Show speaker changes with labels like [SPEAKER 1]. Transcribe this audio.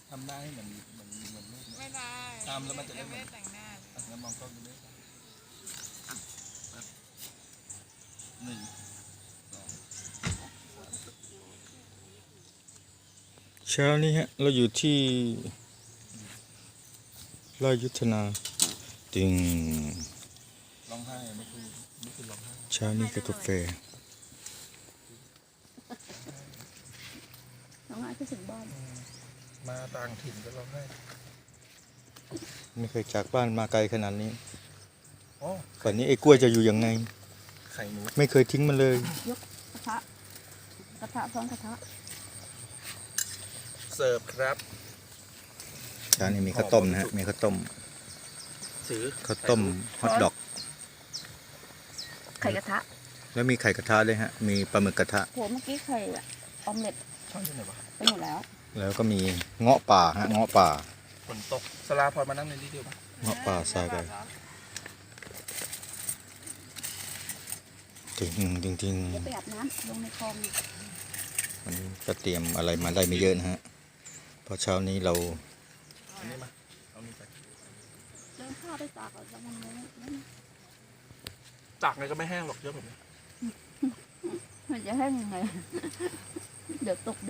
[SPEAKER 1] ทำหน้าให้เหมือน
[SPEAKER 2] ไม่ได้
[SPEAKER 1] ทำแล้วมันจะได้
[SPEAKER 2] ไม่ได้แต่งหน้า
[SPEAKER 1] แล้วมองกล้องดูด้วยหนึ่งสอง
[SPEAKER 3] เช้านี้ฮะเราอยู่ที่ราชยุทธนาติง
[SPEAKER 1] ร้องไห้ไม่คือร้องไห้
[SPEAKER 3] เช้านี้กับกาแฟ
[SPEAKER 4] น้องอาคิดถึงบ้าน
[SPEAKER 1] มาต่างถิ่นก็ร้องไห้
[SPEAKER 3] ไม่เคยจากบ้านมาไกลขนาดนี้
[SPEAKER 1] โอ้
[SPEAKER 3] ก่อนนี้ไอ้กล้วยจะอยู่ยังไง
[SPEAKER 1] ไข่หนู
[SPEAKER 3] ไม่เคยทิ้งมันเลย
[SPEAKER 4] ยกกระทะพร้อมกระทะ
[SPEAKER 1] เสิร์ฟครับ
[SPEAKER 3] เช้านี้มีข้าวต้มนะฮะมีข้าวต้ม
[SPEAKER 1] ถือ
[SPEAKER 3] ข้าวต้มฮอทดอก
[SPEAKER 4] ไข่กระทะ
[SPEAKER 3] แล้วมีไข่กระทะด้วยฮะมีปลาหมึกกระทะ
[SPEAKER 4] โหเมื่อกี้ไข่ออมเล็ต
[SPEAKER 1] ช่องที่ไหนวะ
[SPEAKER 4] ไปหมดแล้ว
[SPEAKER 3] แล้วก็มีเงาะป่าฮะเงาะป่า
[SPEAKER 1] ฝนตกสลาพรมานั่งในนี้ดีกว่า
[SPEAKER 3] เงาะป่าใส่ไปจริงจริงจริง
[SPEAKER 4] จะไปอาบน้ำลงในคลอง
[SPEAKER 3] วันนี้ก็เตรียมอะไรมาได้ไม่เยอะนะฮะเพราะเช้านี้เรา
[SPEAKER 1] อันนี้มาเอานี่ไป
[SPEAKER 4] เดินข้าวไปตากก่อนแล้วมันไม่
[SPEAKER 1] ตากไงก็ไม่แห้งหรอกเยอะแบบนี้
[SPEAKER 4] มันจะแห้งยังไง เดี๋ยวตก